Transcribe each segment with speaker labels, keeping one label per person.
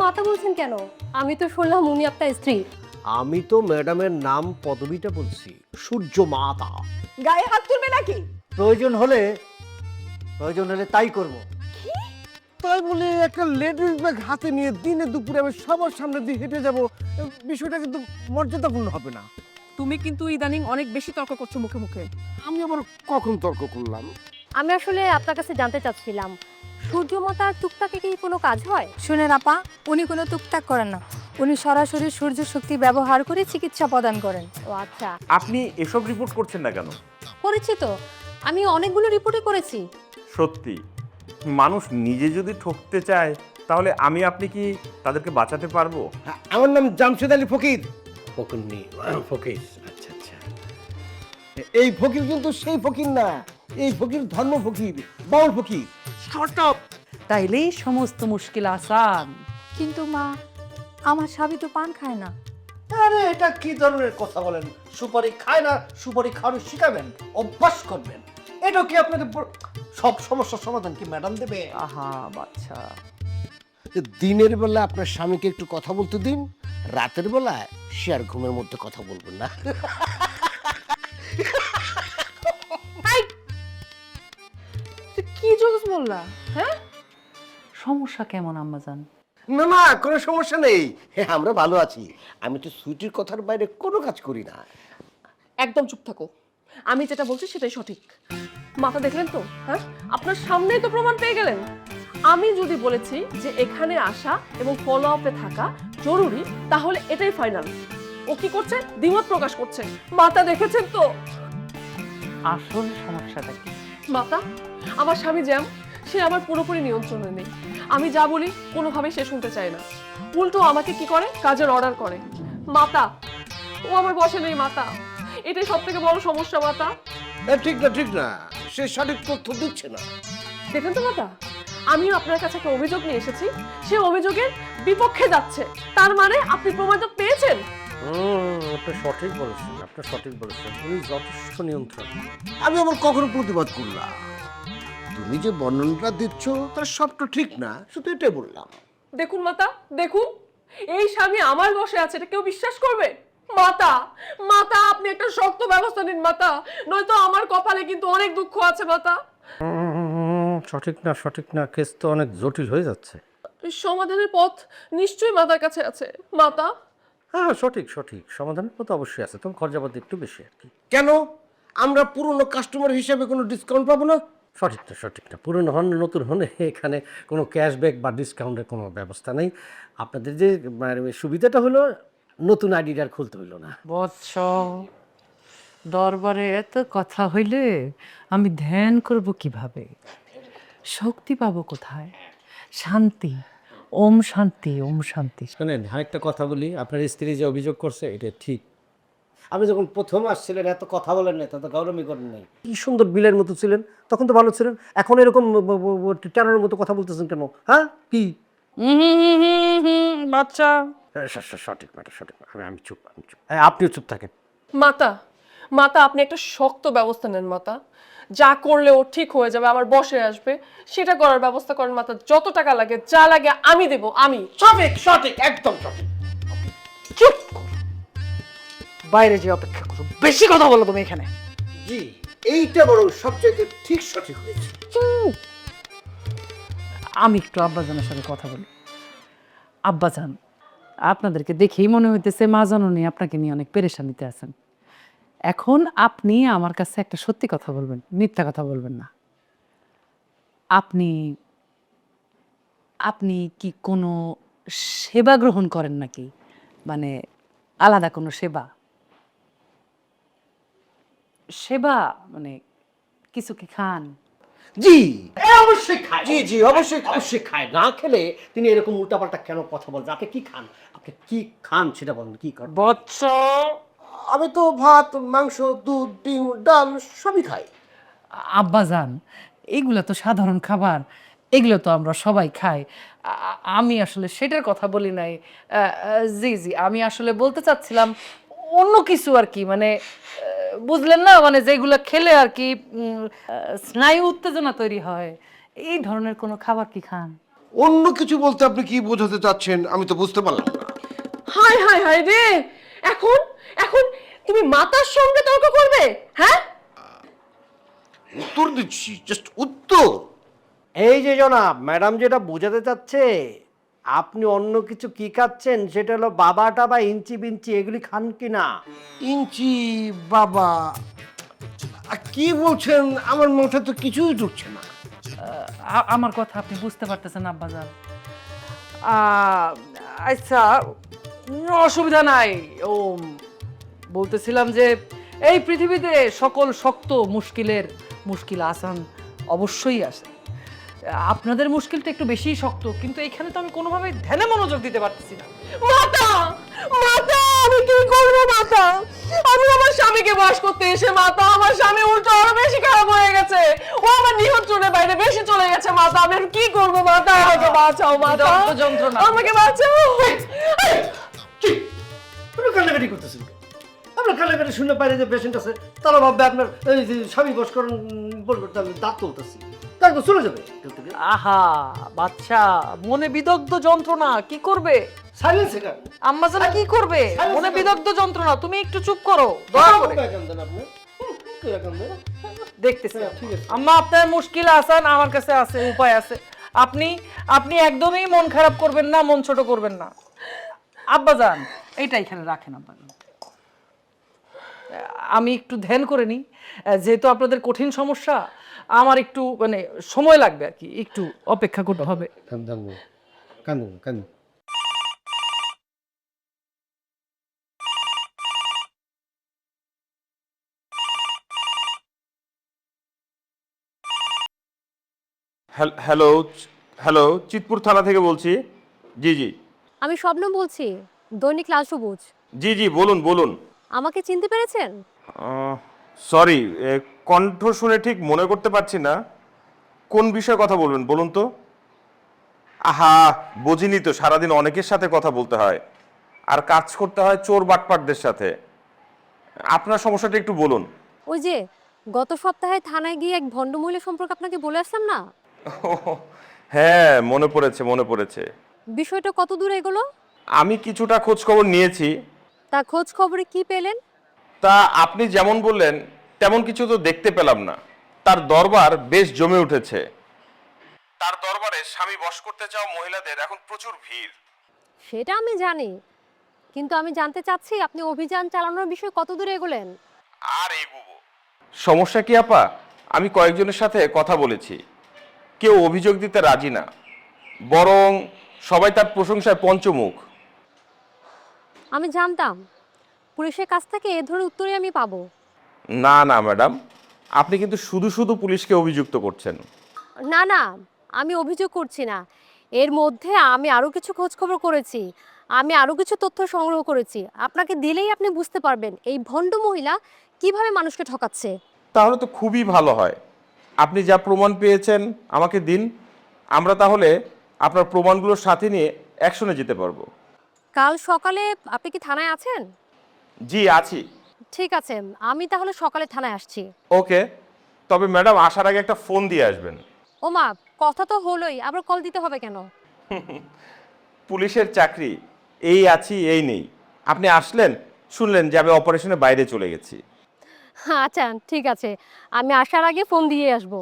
Speaker 1: মাতা বলছেন কেন? আমি তো শুনলাম উনি আপনার স্ত্রী।
Speaker 2: আমি তো ম্যাডামের নাম পদবিটা বলছি, সূর্য মাতা।
Speaker 3: গায়ে হাত তুলবে নাকি?
Speaker 4: প্রয়োজন হলে তাই করব।
Speaker 2: তাই বলে একটা লেডিস ব্যাগ হাতে নিয়ে দিনে দুপুরে আমি সবার সামনে দিয়ে হেঁটে যাব, বিষয়টা কিন্তু মর্যাদাপূর্ণ হবে না।
Speaker 3: তুমি কিন্তু ইদানিং অনেক বেশি তর্ক করছো মুখে মুখে।
Speaker 2: আমি আবার কখন তর্ক করলাম?
Speaker 1: আমি আসলে আপনার কাছে জানতে চাচ্ছিলাম, সূর্য মাতার টুকটাকে কি কোনো কাজ হয়?
Speaker 5: শুনেন আপা, উনি কোনো টুকটাক করেন না, উনি সরাসরি সূর্য শক্তি ব্যবহার করে চিকিৎসা প্রদান করেন।
Speaker 1: ও আচ্ছা,
Speaker 6: আপনি এসব রিপোর্ট করছেন না কেন?
Speaker 1: করেছি তো, আমি অনেকগুলো রিপোর্টই করেছি।
Speaker 6: সত্যি মানুষ নিজে যদি ঠকতে চায় তাহলে আপনি কি তাদেরকে বাঁচাতে পারবো?
Speaker 2: আমার নাম জামশেদ আলী ফকির। ফকির ফকির, আচ্ছা আচ্ছা। এই ফকির কিন্তু সেই ফকির না, এই ফকির ধর্ম ফকির, বাউল ফকির। Short up.
Speaker 3: তাইলেই সমস্ত মুশকিল আসান।
Speaker 5: কিন্তু মা, আমার স্বামী তো পান খায় না।
Speaker 4: আরে এটা কি ধরনের কথা বলেন? সুপারি খায় না, সুপারি খাওয়ানো শিখাবেন, অভ্যাস করবেন। এটা কি আপনাকে সব সমস্যার সমাধান কি ম্যাডাম দেবে?
Speaker 3: আহা বাচ্চা,
Speaker 2: দিনের বেলা আপনার স্বামীকে একটু কথা বলতে দিন, রাতের বেলায় সে আর ঘুমের মধ্যে কথা বলবেন না।
Speaker 3: কি জোকস বললা? হ্যাঁ, সমস্যা কেমন আম্মাজান?
Speaker 2: না না, কোনো সমস্যা নেই, হ্যাঁ আমরা ভালো আছি। আমি তো সুইটির কথার বাইরে কোনো কাজ করি না।
Speaker 7: একদম চুপ থাকো, আমি যেটা বলছি সেটাই সঠিক। মাথা দেখলেন তো? হ্যাঁ, আপনার সামনেই তো প্রমাণ পেয়ে গেলেন। আমি যদি বলেছি যে এখানে আসা এবং ফলো আপে থাকা জরুরি, তাহলে এটাই ফাইনাল। ও কি করছে? দ্বিমত প্রকাশ করছে। মাতা দেখেছেন তো?
Speaker 3: আসল সমস্যাটা কি?
Speaker 7: মাতা, আমার স্বামী জ্যাম, সে আমার পুরোপুরি নিয়ন্ত্রণে নেই। আমি যা বলি কোনোভাবেই সে শুনতে চায় না, উল্টো আমাকে কি করে, কাজের অর্ডার করে। মাতা, ও আমার বসে নেই মাতা, এটাই সব থেকে বড় সমস্যা মাতা।
Speaker 2: ঠিক না ঠিক না, সে সঠিক তথ্য দিচ্ছে না।
Speaker 7: দেখেন তো মাতা, আমিও আপনার কাছে একটা অভিযোগ নিয়ে এসেছি, সে অভিযোগের বিপক্ষে যাচ্ছে। তার মানে আপনি প্রমাণ তো পেয়েছেন।
Speaker 2: আপনি সঠিক বলেছেন, আপনি সঠিক বলেছেন, উনি যথেষ্ট নিয়ন্ত্রণ। আমি আমার কখনো প্রতিবাদ করলাম? তুমি যে বর্ণনাটা দিচ্ছ তার সবটা ঠিক না, শুধু এটাই বললাম।
Speaker 7: দেখুন মাতা, দেখুন, এই স্বামী আমার বসে আছে, এটা কেউ বিশ্বাস করবে? মাতা, মাতা আপনি একটা শক্ত ব্যবস্থা নিন মাতা, নয়তো আমার কপালে কিন্তু অনেক দুঃখ আছে মাতা।
Speaker 2: সঠিক না, কেস তো অনেক জটিল হয়ে যাচ্ছে।
Speaker 7: সমাধানের পথ নিশ্চয়ই মাতার কাছে আছে মাতা।
Speaker 2: হ্যাঁ সঠিক, সমাধানের পথ অবশ্যই আছে, তবে খরচাপাতি একটু বেশি আর কি। কেন আমরা পুরনো কাস্টমার হিসেবে কোনো ডিসকাউন্ট পাবো না? সঠিক না, পুরনো হন নতুন হন, এখানে কোনো ক্যাশব্যাক বা ডিসকাউন্টের কোনো ব্যবস্থা নেই। আপনাদের যে সুবিধাটা হলো নতুন আইডি আর খুলতে হইলো না।
Speaker 3: বৎস, দরবারে এত কথা হইলে আমি ধ্যান করব কিভাবে? শক্তি পাবো কোথায়? শান্তি, ওম শান্তি, ওম শান্তি।
Speaker 2: শোনেন, আরেকটা কথা বলি, আপনার স্ত্রী যে অভিযোগ করছে এটা ঠিক। আপনি যখন প্রথম আসছিলেন এত কথা বলেন না, তত গৌরবই করেন নাই। কি সুন্দর বিলের মতো ছিলেন, তখন তো ভালো ছিলেন। এখন এরকম টেরার মতো কথা বলতেছেন কেন? হ্যাঁ কি
Speaker 3: বাচ্চা,
Speaker 2: সঠিক ম্যাটার, আমি চুপ। আপনিও চুপ থাকেন।
Speaker 7: মাতা, মাতা আপনি একটা শক্ত ব্যবস্থা নেন মাতা, যা করলে ও ঠিক হয়ে যাবে, আমার বসে আসবে, সেটা করার ব্যবস্থা করেন মাতা। যত টাকা লাগে, যা লাগে আমি দেব, আমি।
Speaker 4: সঠিক, একদম সঠিক।
Speaker 3: চুপ কর। বাইরে যে অপেক্ষা করো, বেশি কথা বলো তুমি এখানে।
Speaker 2: জি, এইটা বরং সবচেয়ে ঠিক সঠিক হয়েছে।
Speaker 3: আমি একটু আব্বাজানের সাথে কথা বলি। আব্বাজান, আপনাদেরকে দেখেই মনে হইতেছে মা জননী আপনাকে নিয়ে অনেক পেরেশানিতে আছেন। এখন আপনি আমার কাছে একটা সত্যি কথা বলবেন, মিথ্যা কথা বলবেন না। আপনি আপনি কি কোনো সেবা গ্রহণ করেন নাকি? মানে আলাদা কোনো সেবা? সেবা মানে কিছু কি খান?
Speaker 2: জি অবশ্যই খায়, জি অবশ্যই খায়। না খেলে তিনি এরকম উল্টাপাল্টা কেন কথা বলেন? আপনি কি খান? আপনি কি খান সেটা বলেন, কি খান?
Speaker 3: বৎস,
Speaker 2: আমি তো ভাত, মাংস, দুধ, ডিম, ডাল সবই খাই।
Speaker 3: আব্বাজান, এগুলো তো সাধারণ খাবার, এগুলো তো আমরা সবাই খাই। আমি আসলে সেটার কথা বলি নাই। জি, আমি আসলে বলতে চাচ্ছিলাম অন্য কিছু আর কি, মানে বুঝলেন না, মানে যেগুলো খেলে আর কি স্নায়ু উত্তেজনা তৈরি হয়, এই ধরনের কোনো খাবার কি খান?
Speaker 4: অন্য কিছু বলতে আপনি কি বোঝাতে চাচ্ছেন আমি তো বুঝতে পারলাম না।
Speaker 7: হায় হায় হায় রে, এখন এখন তুমি মাতার সঙ্গে তর্ক করবে? হ্যাঁ,
Speaker 4: উত্তর দিচ্ছি, জাস্ট উত্তর।
Speaker 2: এই যে জনাব, ম্যাডাম যেটা বোঝাতে চাচ্ছে, আপনি অন্য কিছু কি খাচ্ছেন সেটা হলো বাবাটা বা ইঞ্চি বিঞ্চি এগুলি খান কি না?
Speaker 4: ইঞ্চি বাবা কি বলছেন? আমার মাথায় তো কিছুই ঢুকছে না।
Speaker 3: আমার কথা আপনি বুঝতে পারতেছেন আব্বাজান? আচ্ছা, অসুবিধা নাই। ও বলতেছিলাম যে এই পৃথিবীতে সকল শক্ত মুশকিলের মুশকিল আসান অবশ্যই আছে। আপনাদের মুশকিলটা একটু বেশিই শক্ত, কিন্তু এখানে তো আমি কোনোভাবেই ধ্যানে মনোযোগ দিতে পারতেছি না।
Speaker 7: মাতা মাতা, আমি কি করবো মাতা? আমি আমার স্বামীকে বাস করতে এসে মাতা, আমার স্বামী উল্টো আরো বেশি খারাপ হয়ে গেছে। ও আমার নিয়ন্ত্রণের বাইরে বেশি চলে গেছে মাতা। আমি আর কি করবো মাতা? আমাকে বাঁচাও মাতা,
Speaker 3: বিরক্ত যন্ত্রণা।
Speaker 7: আমাকে বাঁচাও।
Speaker 2: আপনি কান্নাকাটি করতেছেন কেন? আপনার কান্নাকাটি শুনে বাইরে যে পেশেন্ট আছে তারা ভাববে আপনার এই যে স্বামী বস করেন বলবে আমি দাঁত তুলতেছি, তারপর চলে যাবে এখান থেকে।
Speaker 3: আহা বাচ্চা, মনে বিদগ্ধ যন্ত্রণা, কি করবে?
Speaker 2: সাইলেন্স এখান
Speaker 3: আম্মা জানা কি করবে? মনে বিদগ্ধ যন্ত্রণা, তুমি একটু চুপ করো দয়া করে।
Speaker 2: আপনি
Speaker 3: দেখতেছি
Speaker 2: ঠিক আছে।
Speaker 3: আম্মা, আপনার মুশকিল আসান আমার কাছে আছে, উপায় আছে। আপনি আপনি একদমই মন খারাপ করবেন না, মন ছোট করবেন না। আব্বাজান এইটা এখানে রাখেন আব্বাজান, আমি একটু ধ্যান করে নিই। যেহেতু আপনাদের কঠিন সমস্যা, আমার একটু মানে সময় লাগবে আর কি, একটু অপেক্ষা করতে হবে।
Speaker 2: কান্দুন।
Speaker 6: হ্যালো, হ্যালো, চিতপুর থানা থেকে বলছি। জি জি
Speaker 1: আমি শবনম বলছি, দৈনিক লাল সবুজ।
Speaker 6: জি জি, বলুন বলুন।
Speaker 1: আমাকে চিনতে পেরেছেন?
Speaker 6: সরি, কণ্ঠ শুনে ঠিক মনে করতে পারছি না। কোন বিষয়ে কথা বলবেন বলুন তো? আহা, বুঝিনি তো, সারাদিন অনেকের সাথে কথা বলতে হয় আর কাজ করতে হয় চোর বাটপাটদের সাথে। আপনার সমস্যাটা একটু বলুন।
Speaker 1: ওই যে গত সপ্তাহে থানায় গিয়ে এক ভণ্ড মহিলা সম্পর্কে আপনাকে বলে আসলাম না,
Speaker 6: হ্যাঁ, মনে পড়েছে মনে পড়েছে।
Speaker 1: বিষয়টা কত দূর এগোলো?
Speaker 6: আমি কিছুটা খোঁজ খবর নিয়েছি।
Speaker 1: তা খোঁজ খবরে কি পেলেন?
Speaker 6: তা আপনি যেমন বললেন তেমন কিছু তো দেখতে পেলাম না। তার দরবার বেশ জমে উঠেছে। তার দরবারে স্বামী বশ করতে চাও মহিলাদের এখন প্রচুর ভিড়।
Speaker 1: সেটা আমি জানি, কিন্তু আমি জানতে চাচ্ছি আপনি অভিযান চালানোর বিষয়ে কত দূর এগোলেন?
Speaker 6: আর এগুবো। সমস্যা কি আপা, আমি কয়েকজনের সাথে কথা বলেছি, কেউ অভিযোগ দিতে রাজি না, বরং সবাই তার প্রশংসায় পঞ্চমুখ।
Speaker 1: আমি জানতাম পুলিশের কাছ থেকে এ ধরনের উত্তরই আমি পাবো।
Speaker 6: না না ম্যাডাম, আপনি কিন্তু শুধু শুধু পুলিশকে অভিযুক্ত করছেন।
Speaker 1: না না, আমি অভিযোগ করছি না। এর মধ্যে আমি আরও কিছু খোঁজ খবর করেছি, আমি আরও কিছু তথ্য সংগ্রহ করেছি। আপনাকে দিলেই আপনি বুঝতে পারবেন এই ভণ্ড মহিলা কিভাবে মানুষকে ঠকাচ্ছে।
Speaker 6: তাহলে তো খুবই ভালো হয়, আপনি যা প্রমাণ পেয়েছেন আমাকে দিন। আমরা তাহলে আপনার প্রমাণগুলোর সাথে নিয়ে অ্যাকশনে যেতে পারবো।
Speaker 1: কাল সকালে আপনি কি থানায় আছেন?
Speaker 6: জি আছি।
Speaker 1: ঠিক আছে, আমি তাহলে সকালে থানায় আসছি।
Speaker 6: ওকে, তবে ম্যাডাম আসার আগে একটা ফোন দিয়ে আসবেন।
Speaker 1: ও মা, কথা তো হলোই, আবার কল দিতে হবে কেন?
Speaker 6: পুলিশের চাকরি, এই আছি এই নেই। আপনি আসলেন, শুনলেন যে আমি অপারেশনে বাইরে চলে গেছি।
Speaker 1: আচ্ছা ঠিক আছে, আমি আসার আগে ফোন দিয়ে আসবো।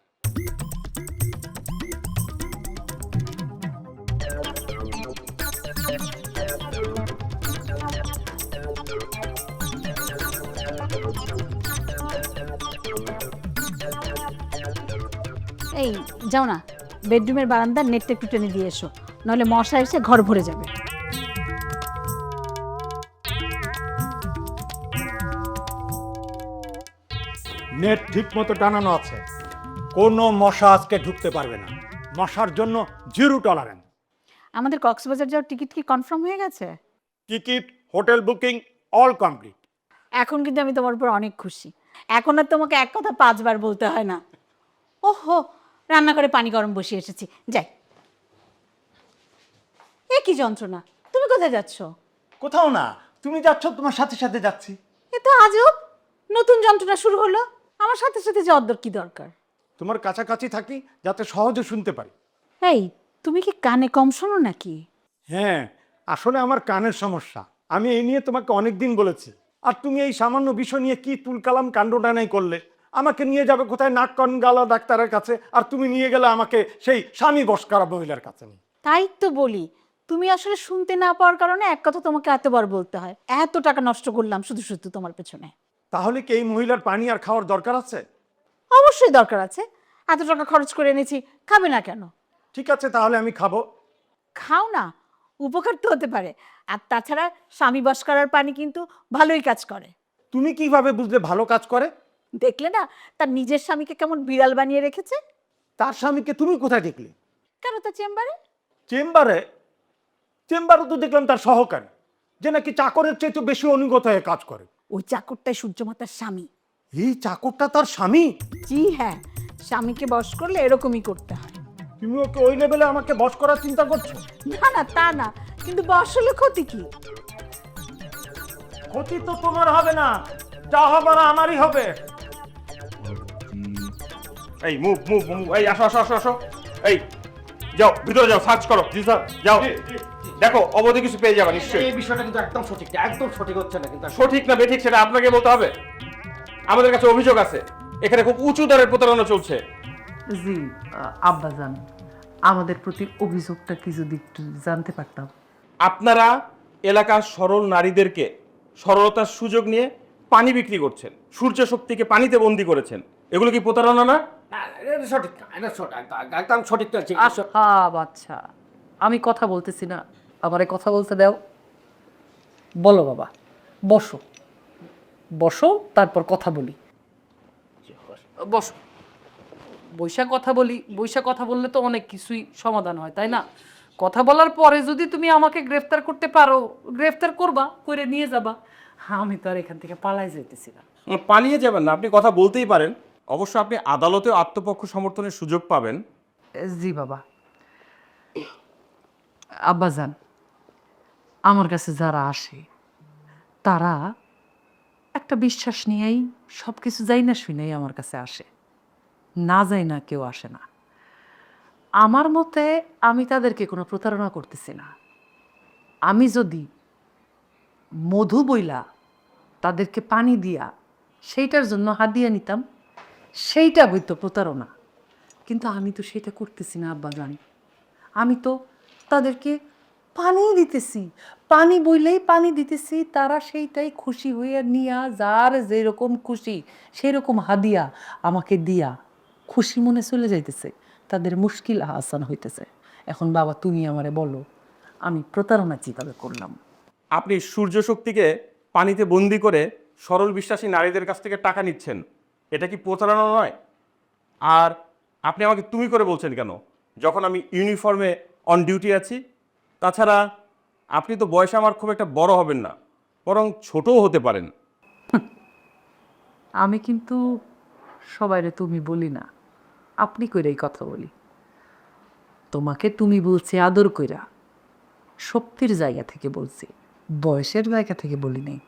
Speaker 8: এই যাও না, বেডরুমের বারান্দার নেটটা একটু টেনে দিয়ে এসো, নাহলে মশা এসে ঘর ভরে যাবে।
Speaker 9: নেট ঠিক মতো টানানো আছে, কোনো মশা আজকে ঢুকতে পারবে না। মশার জন্য জিরো টলারেন্স।
Speaker 8: আমাদের কক্সবাজার যাওয়ার টিকিট কি কনফার্ম হয়ে গেছে?
Speaker 9: Ticket, hotel booking all complete.
Speaker 8: এখন কিন্তু আমি তোমার উপর অনেক খুশি। এখন আর তোমাকে এক কথা 5 বার বলতে হয় না। ওহো, রান্নাঘরে পানি গরম বসিয়ে এসেছি, যাই। এ কি যন্ত্রণা, তুমি কোথায় যাচ্ছ?
Speaker 9: কোথাও না, তুমি যাচ্ছ, তোমার সাথে সাথে যাচ্ছি।
Speaker 8: এ তো আজব, নতুন যন্ত্রণা শুরু হলো। আমার সাথে সাথে যাওয়ার কি দরকার?
Speaker 9: তোমার কাছাকাছি থাকি যাতে সহজে শুনতে পারি।
Speaker 8: এই তুমি কি কানে কম শোনো নাকি?
Speaker 9: হ্যাঁ, আসলে আমার কানের সমস্যা। আমি এই নিয়ে তোমাকে অনেক দিন বলেছি, আর তুমি এই সামান্য বিষয় নিয়ে কি তুলকালাম কাণ্ডটানাই করলে। আমাকে নিয়ে যাবে কোথায়, নাক কান গালা ডাক্তারের কাছে, আর তুমি নিয়ে গেলে আমাকে সেই স্বামী বশ করা মহিলার কাছে।
Speaker 8: তাই তো বলি, তুমি আসলে শুনতে না পাওয়ার কারণে এক কথা তোমাকে এতবার বলতে হয়। এত টাকা নষ্ট করলাম শুধু শুধু তোমার পেছনে।
Speaker 9: তাহলে কি এই মহিলার পানি আর খাওয়ার দরকার আছে?
Speaker 8: অবশ্যই দরকার আছে, এত টাকা খরচ করে এনেছি, খাবে না কেন?
Speaker 9: ঠিক আছে, তাহলে আমি খাবো।
Speaker 8: খাও না, উপকার তো হতে পারে। আর তাছাড়া স্বামী বশ করার পানি কিন্তু ভালোই কাজ করে।
Speaker 9: তুমি কিভাবে বুঝলে ভালো কাজ করে?
Speaker 8: দেখলে না তার নিজের স্বামীকে কেমন বিড়াল বানিয়ে রেখেছে।
Speaker 9: তার স্বামীকে তুমি কোথায় দেখলে?
Speaker 8: কেন, তার চেম্বারে।
Speaker 9: চেম্বারে? চেম্বারে তো দেখলাম তার সহকারী, যে নাকি চাকরের চাইতে বেশি অনুগত হয়ে কাজ করে।
Speaker 8: ওই চাকরটাই সূর্যমাতার স্বামী।
Speaker 9: এই চাকরটা তার স্বামী?
Speaker 8: জি হ্যাঁ, স্বামীকে বশ করলে এরকমই করতে হয়।
Speaker 9: তুমি ওকে ওই লেভেলে আমাকে বশ করার চিন্তা করছো?
Speaker 8: না না, তা না, কিন্তু বশ হলে ক্ষতি কি?
Speaker 9: ক্ষতি তো তোমার হবে না, যা হবার আমারই হবে।
Speaker 6: এই মুভ মুভ মুভ, এই আসো আসো আসো আসো, এই যাও ভিতরে যাও, সার্চ করো। জি স্যার, যাও দেখো, অবধি কিছু পেয়ে যাবে নিশ্চয়ই।
Speaker 2: এই বিষয়টা কিন্তু একদম সঠিক না, একদম সঠিক হচ্ছে না কিন্তু।
Speaker 6: সঠিক না বেঠিক সেটা আপনাকে বলতে হবে। আমাদের কাছে অভিযোগ আছে, এখানে খুব উঁচু দরের প্রতারণা চলছে।
Speaker 3: জি আব্বাজান, আমাদের প্রতি অভিযোগটা কি যদি একটু জানতে পারতাম।
Speaker 6: আপনারা এলাকার সরল নারীদেরকে সরলতার সুযোগ নিয়ে পানি বিক্রি করছেন, সূর্য শক্তিকে পানিতে বন্দি করেছেন। এগুলো কি প্রতারণা না?
Speaker 2: না, এটা সঠিক না, এটা একদম সঠিক না।
Speaker 3: বাচ্চা, আমি কথা বলতেছি না, আমারে কথা বলতে দাও। বলো বাবা, বসো বসো, তারপর কথা বলি। বসো, বৈশা কথা বলি। বৈশা কথা বললে তো অনেক কিছুই সমাধান হয়, তাই না? কথা বলার পরে যদি তুমি আমাকে গ্রেফতার করতে পারো, গ্রেফতার করবা, করে নিয়ে যাবা। আমি তো আর এখান থেকে পালাই যেতেছি না।
Speaker 6: পালিয়ে যাবেন না, আপনি কথা বলতেই পারেন। অবশ্য আপনি আদালতেও আত্মপক্ষ সমর্থনের সুযোগ পাবেন।
Speaker 3: জি বাবা। আব্বাজান, আমার কাছে যারা আসে তারা একটা বিশ্বাস নিয়েই সব কিছু যাই না শুনেই আমার কাছে আসে, না যাই না কেউ আসে না। আমার মতে আমি তাদেরকে কোনো প্রতারণা করতেছি না। আমি যদি মধু বইলা তাদেরকে পানি দিয়া সেইটার জন্য হাদিয়া নিতাম, সেইটা বইতো প্রতারণা। কিন্তু আমি তো সেটা করতেছি না আব্বাজান। আমি তো তাদেরকে পানি দিতেছি, পানি বইলেই পানি দিতেছি, তারা সেইটাই খুশি হয়ে নিয়া যার যেরকম খুশি সেরকম হাদিয়া আমাকে দিয়া খুশি মনে চলে যাইতেছে, তাদের মুশকিল আসান হইতেছে। এখন বাবা তুমি আমারে বলো, আমি প্রতারণা কিভাবে করলাম?
Speaker 6: আপনি সূর্য শক্তিকে পানিতে বন্দি করে সরল বিশ্বাসী নারীদের কাছ থেকে টাকা নিচ্ছেন, এটা কি প্রতারণা নয়? আর আপনি আমাকে তুমি করে বলছেন কেন, যখন আমি ইউনিফর্মে অন ডিউটি আছি? তাছাড়া আপনি তো বয়সে আমার খুব একটা বড় হবেন না, বরং ছোটও হতে পারেন।
Speaker 3: আমি কিন্তু সবাইরে তুমি বলি না, আপনি কইরাই কথা বলি। তোমাকে তুমি বলছি আদর কইরা, শক্তির জায়গা থেকে বলছি, বয়সের জায়গা থেকে বলি নাই।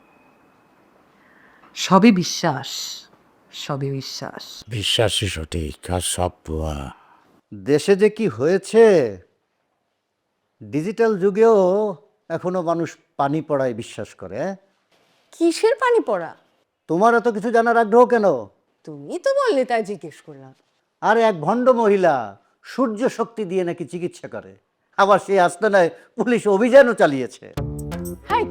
Speaker 3: সবই বিশ্বাস, সবই বিশ্বাস।
Speaker 2: বিশ্বাসই সঠিক আর সব ভুয়া। দেশে যে কি হয়েছে, ডিজিটাল যুগেও এখনো মানুষ পানি পড়ায় বিশ্বাস করে।
Speaker 1: কিসের পানি পড়া?
Speaker 2: তোমার এত কিছু জানার আগ্রহ কেন?
Speaker 1: তুমি তো বললে তাই জিজ্ঞেস করলাম।
Speaker 2: আর এক ভণ্ড মহিলা সূর্য শক্তি দিয়ে নাকি চিকিৎসা করে, আবার সেই আস্তানায় পুলিশ অভিযানও চালিয়েছে।
Speaker 1: হাই,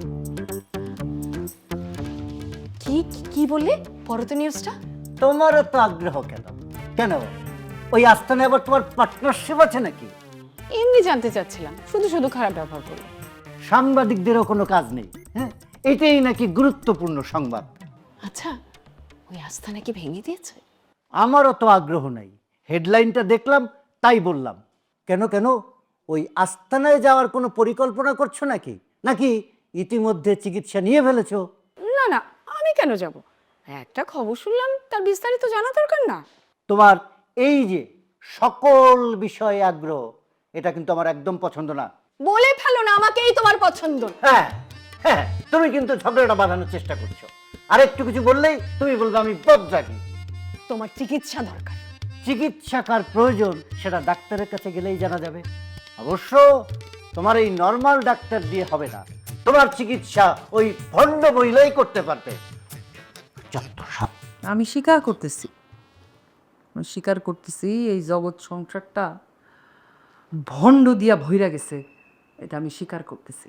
Speaker 1: কি কি বললে? পরে তো নিউজটা।
Speaker 2: তোমার এত আগ্রহ কেন? কেন ওই আস্তানায় আবার তোমার পার্টনারশিপ আছে নাকি?
Speaker 1: এমনি জানতে চাচ্ছিলাম, শুধু শুধু খারাপ ব্যবহার করলে।
Speaker 2: সাংবাদিকদেরও কোনো কাজ নেই, হ্যাঁ? এটাই নাকি গুরুত্বপূর্ণ সংবাদ।
Speaker 1: আচ্ছা, ওই আস্থা নাকি ভেঙে দিয়েছে?
Speaker 2: আমারও তো আগ্রহ নাই, হেডলাইনটা দেখলাম তাই বললাম। কেন কেন ওই আস্তানায় যাওয়ার কোনো পরিকল্পনা করছো নাকি, নাকি ইতিমধ্যে চিকিৎসা নিয়ে ফেলেছো?
Speaker 1: না না, আমি কেন যাব? একটা খবর শুনলাম, তার বিস্তারিত জানা দরকার না?
Speaker 2: তোমার এই যে সকল বিষয়ে আগ্রহ, এটা কিন্তু আমার একদম পছন্দ না।
Speaker 1: বলে ফেলো না আমাকেই তোমার পছন্দ।
Speaker 2: হ্যাঁ হ্যাঁ, তুমি কিন্তু ঝগড়াটা বাঁধানোর চেষ্টা করছো। আর একটু কিছু বললেই তুমি বলবে আমি বদরাগী।
Speaker 1: তোমার চিকিৎসা দরকার।
Speaker 2: চিকিৎসা কার প্রয়োজন সেটা ডাক্তারের কাছে গেলেই জানা যাবে।
Speaker 4: অবশ্য তোমার এই নর্মাল ডাক্তার দিয়ে হবে না, তোমার চিকিৎসা ওই ভণ্ড মহিলাই করতে পারবে। যত সব।
Speaker 3: আমি স্বীকার করতেছি, এই জগৎ সংসারটা ভণ্ড দিয়া ভইরা গেছে, এটা আমি স্বীকার করতেছি।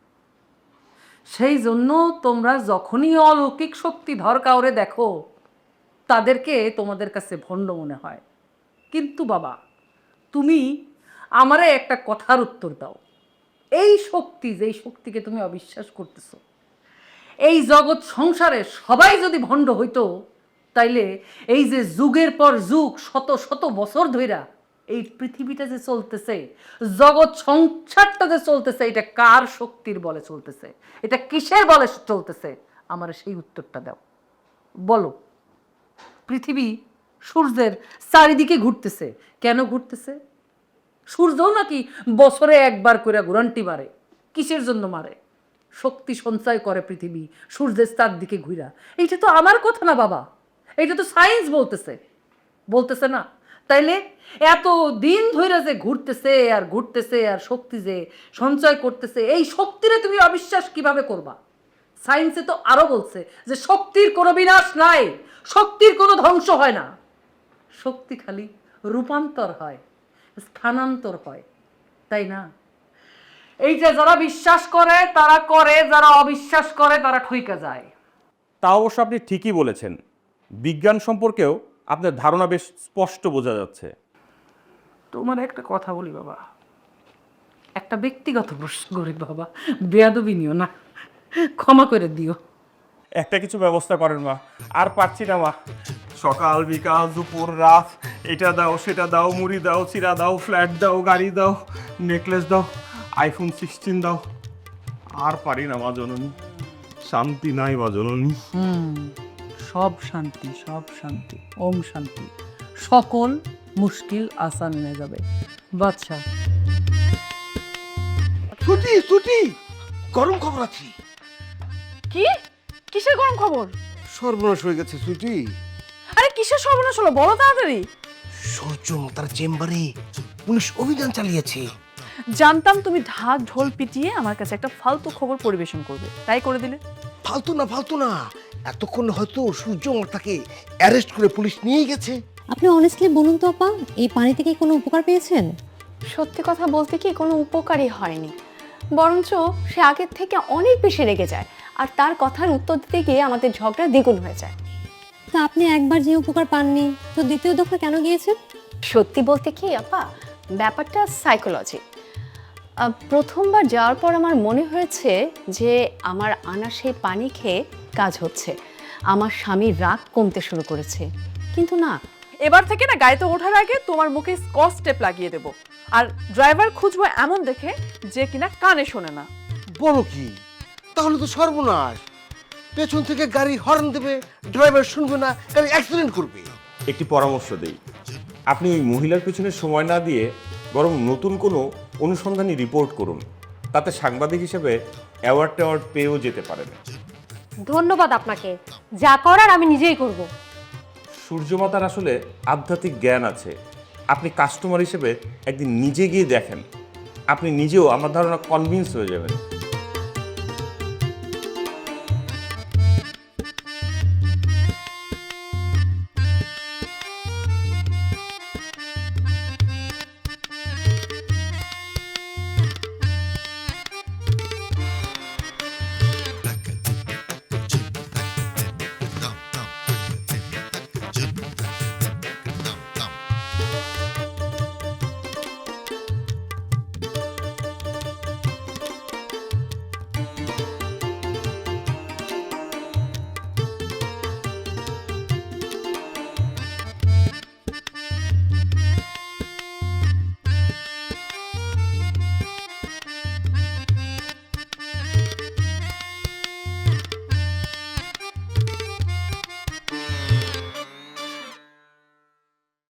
Speaker 3: সেই জন্য তোমরা যখনই অলৌকিক শক্তি ধর কাউরে দেখো, তাদেরকে তোমাদের কাছে ভণ্ড মনে হয়। কিন্তু বাবা, তুমি আমারে একটা কথার উত্তর দাও, এই শক্তি, যেই শক্তিকে তুমি অবিশ্বাস করতেছো, এই জগৎ সংসারে সবাই যদি ভণ্ড হইতো, তাইলে এই যে যুগের পর যুগ, শত শত বছর ধইরা এই পৃথিবীটা যে চলতেছে, জগৎ সংসারটা যে চলতেছে, এটা কার শক্তির বলে চলতেছে, এটা কিসের বলে চলতেছে? আমার সেই উত্তরটা দাও, বলো। পৃথিবী সূর্যের চারিদিকে ঘুরতেছে, কেন ঘুরতেছে? সূর্যও নাকি বছরে একবার করে ঘুরান্টি মারে, কিসের জন্য মারে? শক্তি সঞ্চয় করে পৃথিবী সূর্যের চারদিকে ঘুরা। এইটা তো আমার কথা না বাবা, এটা তো সায়েন্স বলতেছে না? তাইলে এত দিন ধরে যে ঘুরতেছে আর ঘুরতেছে আর শক্তি যে সঞ্চয় করতেছে, এই শক্তিরে তুমি অবিশ্বাস কিভাবে করবা? সায়েন্সে তো আরো বলছে যে শক্তির কোনো বিনাশ নাই, শক্তির কোনো ধ্বংস হয় না, শক্তি খালি রূপান্তর হয়, স্থানান্তর হয়, তাই না? এইটা যারা বিশ্বাস করে তারা করে, যারা অবিশ্বাস করে তারা ঠইকা যায়।
Speaker 6: তা অবশ্য আপনি ঠিকই বলেছেন, বিজ্ঞান সম্পর্কেও আপনার ধারণা বেশ স্পষ্ট বোঝা যাচ্ছে।
Speaker 3: তোমার একটা কথা বলি বাবা, একটা ব্যক্তিগত প্রশ্ন করি বাবা, বেয়াদবি নিও না, ক্ষমা করে দিও।
Speaker 6: একটা কিছু ব্যবস্থা করেন মা, আর পারছি না মা। সকাল বিকাল দুপুর রাত এটা দাও সেটা দাও, মুড়ি দাও, চিরা দাও, ফ্ল্যাট দাও, গাড়ি দাও, নেকলেস দাও, আইফোন 16 দাও, আর পারি না মা জননী, শান্তি নাই মা জননী।
Speaker 3: সব শান্তি, সব শান্তি, ওম শান্তি, সকল মুশকিল আসান হয়ে যাবে বাদশা।
Speaker 4: ছুটি ছুটি, গরম খবর আছে।
Speaker 7: কি? কিসের গরম খবর?
Speaker 2: সর্বনাশ হয়ে গেছে ছুটি।
Speaker 7: আরে কিসের সর্বনাশ হলো, বলো তাড়াতাড়ি।
Speaker 2: সূর্য তার চেম্বারে পুলিশ অভিযান চালিয়েছে।
Speaker 7: জানতাম তুমি ঢাক ঢোল পিটিয়ে আমার কাছে একটা ফালতু খবর পরিবেশন করবে, তাই করে দিলে।
Speaker 2: ফালতু না, এতক্ষণ হয়তো সূর্য তাকে অ্যারেস্ট করে পুলিশ নিয়ে গেছে।
Speaker 1: আপনি অনেস্টলি বলুন তো আপা, এই পানি থেকে কোনো উপকার পেয়েছেন?
Speaker 5: সত্যি কথা বলতে কি কোনো উপকারই হয়নি, বরঞ্চ সে আগের থেকে অনেক বেশি রেগে যায়, আর তার কথার উত্তর দিতে গিয়ে আমাদের ঝগড়া দ্বিগুণ হয়ে যায়।
Speaker 1: তা আপনি একবার যে উপকার পাননি, তো দ্বিতীয় দফা কেন গিয়েছেন?
Speaker 5: সত্যি বলতে কি আপা, ব্যাপারটা সাইকোলজি। প্রথমবার যাওয়ার পর আমার মনে হয়েছে যে আমার আনা সেই পানি খেয়ে কাজ হচ্ছে, আমার স্বামীর রাগ কমতে শুরু করেছে, কিন্তু না।
Speaker 7: এবার থেকে না গাড়িতে ওঠার আগে তোমার মুখে স্কচ টেপ লাগিয়ে দেবো, আর ড্রাইভার খুঁজবো এমন দেখে যে কিনা কানে শোনে না।
Speaker 2: বলো কি? তাহলে তো সর্বনাশ। পেছন থেকে গাড়ি হর্ন দেবে, ড্রাইভার শুনবে না, গাড়ি অ্যাক্সিডেন্ট করবে।
Speaker 6: একটি পরামর্শ দেই, আপনি ওই মহিলার পিছনে সময় না দিয়ে বরং নতুন কোনো অনুসন্ধানী রিপোর্ট করুন, তাতে সাংবাদিক হিসেবে অ্যাওয়ার্ড পেয়েও যেতে পারেন।
Speaker 1: ধন্যবাদ আপনাকে, যা করার আমি নিজেই করব।
Speaker 6: সূর্যমাতার আসলে আধ্যাত্মিক জ্ঞান আছে, আপনি কাস্টমার হিসেবে একদিন নিজে গিয়ে দেখেন, আপনি নিজেও আমার ধারণা কনভিন্স হয়ে যাবেন।